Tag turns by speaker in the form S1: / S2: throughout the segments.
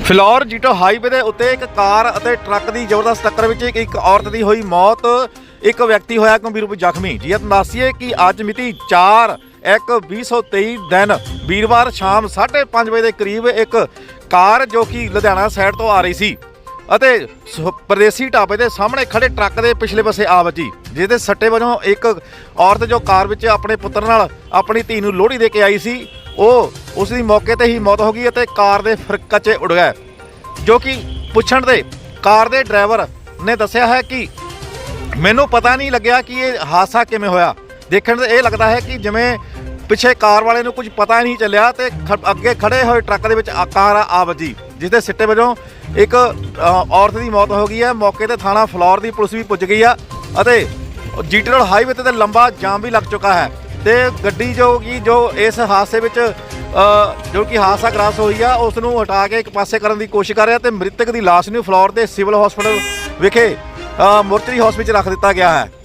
S1: Phillaur ਜੀਟੋ highway ਦੇ ਉੱਤੇ ਇੱਕ ਕਾਰ ਅਤੇ ਟਰੱਕ ਦੀ ਜ਼ਬਰਦਸਤ ਟੱਕਰ ਵਿੱਚ ਇੱਕ ਔਰਤ ਦੀ ਹੋਈ ਮੌਤ, ਇੱਕ ਵਿਅਕਤੀ ਹੋਇਆ ਗੰਭੀਰ ਰੂਪ ਜ਼ਖਮੀ। ਜੀ ਦੱਸੀਏ ਕਿ ਅੱਜ ਮਿਤੀ 4/1/2023 ਦਿਨ ਵੀਰਵਾਰ ਸ਼ਾਮ 5:30 ਵਜੇ ਦੇ ਕਰੀਬ ਇੱਕ ਕਾਰ ਜੋ ਕਿ ਲੁਧਿਆਣਾ ਸਾਈਡ ਤੋਂ ਆ ਰਹੀ ਸੀ ਅਤੇ ਪਰਦੇਸੀ ਢਾਬੇ ਦੇ ਸਾਹਮਣੇ ਖੜੇ ਟਰੱਕ ਦੇ ਪਿਛਲੇ ਪਾਸੇ ਆ ਵੱਜੀ, ਜਿਹਦੇ ਸੱਟੇ ਵਜੋਂ ਇੱਕ ਔਰਤ ਜੋ ਕਾਰ ਵਿੱਚ ਆਪਣੇ ਪੁੱਤਰ ਨਾਲ ਆਪਣੀ ਧੀ ਨੂੰ ਲੋਹੜੀ ਦੇ ਕੇ ਆਈ ਸੀ, ਉਸ ਦੀ ਮੌਕੇ ਤੇ ਹੀ ਮੌਤ ਹੋ ਗਈ ਅਤੇ ਕਾਰ ਦੇ ਫਰਕੱਚੇ ਉੱਡ ਗਏ। ਜੋ ਕਿ ਪੁੱਛਣ ਦੇ ਕਾਰ ਦੇ ਡਰਾਈਵਰ ਨੇ ਦੱਸਿਆ ਹੈ ਕਿ ਮੈਨੂੰ ਪਤਾ ਨਹੀਂ ਲੱਗਿਆ ਕਿ ਇਹ ਹਾਦਸਾ ਕਿਵੇਂ ਹੋਇਆ। ਦੇਖਣ ਤੇ ਇਹ ਲੱਗਦਾ ਹੈ ਕਿ ਜਿਵੇਂ ਪਿੱਛੇ ਕਾਰ ਵਾਲੇ ਨੂੰ ਕੁਝ ਪਤਾ ਨਹੀਂ ਚੱਲਿਆ ਤੇ ਅੱਗੇ ਖੜੇ ਹੋਏ ਟਰੱਕ ਦੇ ਵਿੱਚ ਕਾਰ ਆ ਵੱਜੀ, ਜਿਸ ਦੇ ਸਿੱਟੇ ਵਜੋਂ ਇੱਕ ਔਰਤ ਦੀ ਮੌਤ ਹੋ ਗਈ ਹੈ। ਮੌਕੇ ਤੇ ਥਾਣਾ ਫਿਲੌਰ ਦੀ ਪੁਲਿਸ ਵੀ ਪੁੱਜ ਗਈ ਆ ਅਤੇ ਜੀਟੀ ਰੋਡ ਹਾਈਵੇ ਤੇ ਲੰਬਾ ਜਾਮ ਵੀ ਲੱਗ ਚੁੱਕਾ ਹੈ ਤੇ ਗੱਡੀ ਜੋ ਇਸ ਹਾਦਸੇ ਵਿੱਚ ਜੋ ਕਿ ਹਾਦਸਾ ਗ੍ਰਸਤ ਹੋਈ ਆ ਉਸ ਨੂੰ ਹਟਾ ਕੇ ਇੱਕ ਪਾਸੇ ਕਰਨ ਦੀ ਕੋਸ਼ਿਸ਼ ਕਰ ਰਿਹਾ ਤੇ ਮ੍ਰਿਤਕ ਦੀ ਲਾਸ਼ ਨੂੰ ਫਿਲੌਰ ਦੇ ਸਿਵਲ ਹਸਪਤਾਲ ਵਿਖੇ ਮੋਰਚਰੀ ਹਾਊਸ ਵਿੱਚ ਰੱਖ ਦਿੱਤਾ ਗਿਆ ਹੈ।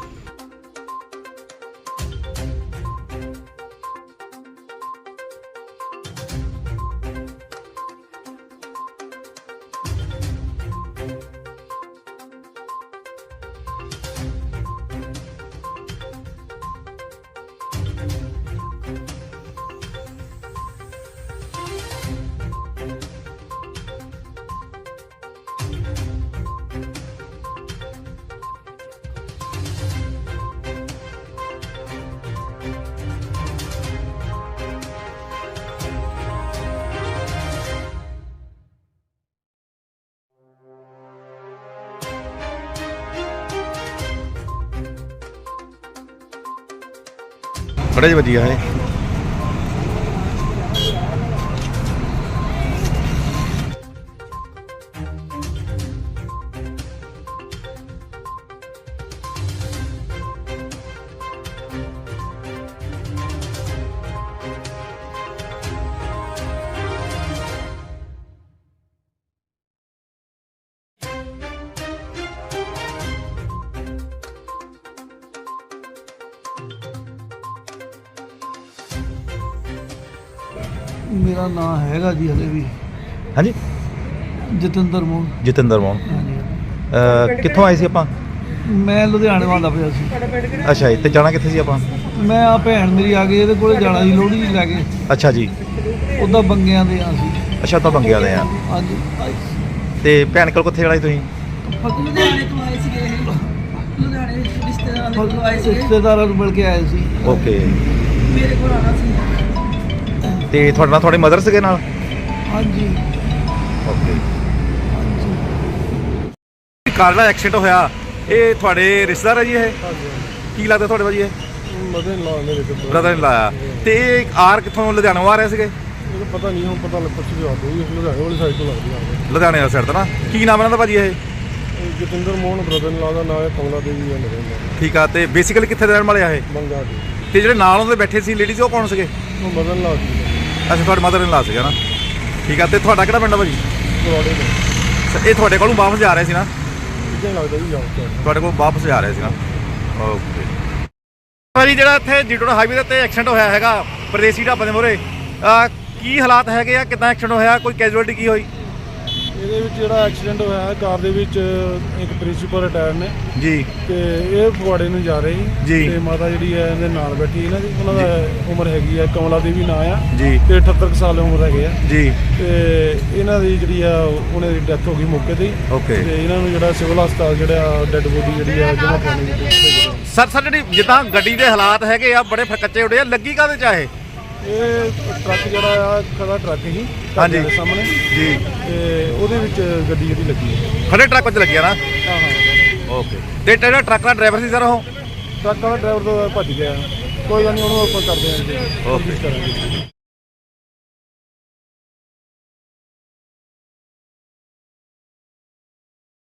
S1: बड़े वधिया है।
S2: मेरा नाम हैगा जी हले भी।
S1: हाँ जी,
S2: ਜਤਿੰਦਰ ਮੋਹਨ।
S1: ਜਤਿੰਦਰ ਮੋਹਨ ਕਿੱਥੋਂ ਆਏ ਸੀ ਆਪਾਂ?
S2: ਮੈਂ ਲੁਧਿਆਣੇ ਵਾਲਾ ਪਿਆ ਸੀ।
S1: ਅੱਛਾ ਜੀ, ਤੇ ਜਾਣਾ ਕਿੱਥੇ ਸੀ ਆਪਾਂ?
S2: ਮੈਂ ਆ ਭੈਣ ਮੇਰੀ ਆ ਗਈ, ਇਹਦੇ ਕੋਲੇ ਜਾਣਾ ਸੀ ਲੋਹੜੀ ਲੈ ਕੇ।
S1: ਅੱਛਾ ਜੀ,
S2: ਉਹਦਾ ਬੰਗਿਆਂ ਦੇ ਆ ਸੀ।
S1: ਅੱਛਾ ਤਾਂ ਬੰਗਿਆ ਦੇ ਆ।
S2: ਅੱਜ
S1: ਤੇ ਭੈਣ ਕੋਲ ਕਿੱਥੇ ਜਾਣਾ ਸੀ ਤੁਸੀਂ?
S3: ਲੁਧਿਆਣੇ ਤੋਂ ਆਏ ਸੀਗੇ ਇਹ। ਲੁਧਿਆਣੇ ਰਿਸ਼ਤੇਦਾਰਾਂ ਦੇ ਕੋਲ ਆਏ ਸੀਗੇ।
S2: ਰਿਸ਼ਤੇਦਾਰਾਂ ਨੂੰ ਮਿਲ ਕੇ ਆਏ ਸੀ।
S1: ਓਕੇ।
S3: ਮੇਰੇ ਕੋਲ ਆਣਾ ਸੀ।
S1: ਤੇ ਤੁਹਾਡੇ ਨਾਲ ਤੁਹਾਡੇ ਮਦਰ ਸੀਗੇ ਨਾਲ?
S2: ਹਾਂਜੀ
S1: ਓਕੇ।
S2: ਹਾਂਜੀ।
S1: ਕਾਰ ਦਾ ਐਕਸੀਡੈਂਟ ਹੋਇਆ, ਇਹ ਤੁਹਾਡੇ ਰਿਸ਼ਤੇਦਾਰ ਹੈ ਜੀ? ਇਹ ਕੀ ਲੱਗਦਾ ਤੁਹਾਡੇ ਭਾਜੀ? ਇਹ
S2: ਮਦਨ ਲਾ ਮੇਰੇ ਕੋਲ
S1: ਬ੍ਰਦਰ ਨੇ ਲਾਇਆ। ਤੇ ਇਹ ਆਰ ਕਿੱਥੋਂ ਲੁਧਿਆਣੋਂ ਆ ਰਹੇ ਸੀਗੇ?
S2: ਮੈਨੂੰ ਪਤਾ ਨਹੀਂ, ਹੁਣ ਪਤਾ ਲੱਗ ਪੁੱਛ ਕੇ ਆਉਂਦੇ ਲੁਧਿਆਣੇ ਵਾਲੀ ਸਾਈਡ ਤੋਂ ਲੱਗਦੀ ਆ।
S1: ਲੁਧਿਆਣੇ ਵਾਲੀ ਸਾਈਡ ਤੋਂ ਨਾ। ਕੀ ਨਾਮ ਇਹਨਾਂ ਦਾ ਭਾਜੀ? ਇਹ
S2: ਜਤਿੰਦਰ ਮੋਹਨ ਬ੍ਰਦਰ ਲਾ ਦਾ ਨਾਮ ਹੈ, ਕਮਲਾ ਦੇਵੀ ਹੈ ਮੇਰੇ ਨਾਲ।
S1: ਠੀਕ ਆ। ਤੇ ਬੇਸਿਕਲੀ ਕਿੱਥੇ ਦੇ ਰਹਿਣ ਵਾਲੇ ਆ ਇਹ?
S2: ਬੰਗਾ ਦੀ।
S1: ਤੇ ਜਿਹੜੇ ਨਾਲ ਉਹਦੇ ਬੈਠੇ ਸੀ ਲੇਡੀਜ਼, ਉਹ ਕੌਣ ਸੀਗੇ?
S2: ਉਹ ਮਦਨ ਲਾ ਦੀ।
S1: ਅੱਛਾ, ਤੁਹਾਡੇ ਮਦਰ ਨੇ ਲਾ ਸੀਗਾ ਨਾ। ਠੀਕ ਆ। ਤੇ ਤੁਹਾਡਾ ਕਿਹੜਾ ਪਿੰਡ ਆ ਭਾਜੀ?
S2: ਬਰੋੜੇ ਦੇ।
S1: ਇਹ ਤੁਹਾਡੇ ਕੋਲੋਂ ਵਾਪਸ ਜਾ ਰਹੇ ਸੀ ਨਾ?
S2: ਕਿੱਦਾਂ ਲੱਗਦਾ ਜੀ ਜਾਓ
S1: ਤੁਹਾਡੇ ਕੋਲ ਵਾਪਸ ਜਾ ਰਹੇ ਸੀ ਨਾ। ਓਕੇ ਭਾਜੀ, ਜਿਹੜਾ ਇੱਥੇ ਜੀਟੀ ਰੋਡ ਹਾਈਵੇ ਦੇ ਉੱਤੇ ਐਕਸੀਡੈਂਟ ਹੋਇਆ ਹੈਗਾ ਪਰਦੇਸੀ ਢਾਬੇ ਦੇ ਮੂਹਰੇ, ਕੀ ਹਾਲਾਤ ਹੈਗੇ ਆ? ਕਿੱਦਾਂ ਐਕਸੀਡੈਂਟ ਹੋਇਆ? ਕੋਈ ਕੈਜੂਅਲਟੀ ਕੀ ਹੋਈ?
S2: ਇਹਦੇ ਵਿੱਚ ਜਿਹੜਾ ਐਕਸੀਡੈਂਟ ਹੋਇਆ ਹੈ, ਕਾਰ ਦੇ ਵਿੱਚ ਇੱਕ ਪ੍ਰਿੰਸੀਪਲ ਰਿਟਾਇਰ ਨੇ
S1: ਜੀ
S2: ਤੇ ਇਹ ਫਗਵਾੜੇ ਨੂੰ ਜਾ ਰਹੇ
S1: ਜੀ।
S2: ਸੀ ਤੇ ਮਾਤਾ ਜਿਹੜੀ ਹੈ ਇਹਦੇ ਨਾਲ ਬੈਠੀ ਇਹਨਾਂ ਦੀ, ਉਹਨਾਂ ਦਾ ਉਮਰ ਹੈਗੀ ਹੈ ਕਮਲਾ ਦੇਵੀ ਨਾਂ ਆ
S1: ਜੀ
S2: ਤੇ 78 ਸਾਲ ਉਮਰ ਹੈਗੇ ਆ
S1: ਜੀ।
S2: ਤੇ ਇਹਨਾਂ ਦੀ ਜਿਹੜੀ ਆ ਉਹਨਾਂ ਦੀ ਡੈਥ ਹੋ ਗਈ ਮੌਕੇ ਤੇ ਹੀ।
S1: ਓਕੇ।
S2: ਤੇ ਇਹਨਾਂ ਨੂੰ ਜਿਹੜਾ ਸਿਵਲ ਹਸਪਤਾਲ ਜਿਹੜਾ ਡੈੱਡ ਬੋਡੀ ਜਿਹੜੀ ਆ ਜਮ੍ਹਾਂ ਕਰਾਉਣੀ ਹੈ।
S1: ਸਰ ਜਿਹੜੀ ਜਿੱਦਾਂ ਗੱਡੀ ਦੇ ਹਾਲਾਤ ਹੈਗੇ ਆ ਬੜੇ ਫਰਕੱਚੇ ਉੱਡੇ ਆ, ਲੱਗੀ ਕਾਹਦੇ ਚ ਆ ਇਹ?
S2: ਇਹ ਟਰੱਕ ਜਿਹੜਾ ਆ ਖੜਾ ਟਰੱਕ ਹੀ
S1: ਹਾਂਜੀ
S2: ਦੇ ਸਾਹਮਣੇ
S1: ਜੀ,
S2: ਤੇ ਉਹਦੇ ਵਿੱਚ ਗੱਡੀ ਜਿਹੜੀ ਲੱਗੀ ਹੈ।
S1: ਖੜੇ ਟਰੱਕ ਵਿੱਚ ਲੱਗਿਆ ਨਾ।
S2: ਹਾਂ ਹਾਂ।
S1: ਓਕੇ। ਤੇ ਜਿਹੜਾ ਟਰੱਕ ਦਾ ਡਰਾਈਵਰ ਸੀ ਸਰ, ਉਹ
S2: ਟਰੱਕ ਵਾਲਾ ਡਰਾਈਵਰ ਤੋਂ ਭੱਜ ਗਿਆ। ਕੋਈ ਗੱਲ ਨਹੀਂ, ਉਹਨੂੰ ਆਪਾਂ ਕਰਦੇ ਹਾਂ ਜੀ।
S1: ਓਕੇ।
S2: ਕੋਸ਼ਿਸ਼ ਕਰਾਂਗੇ।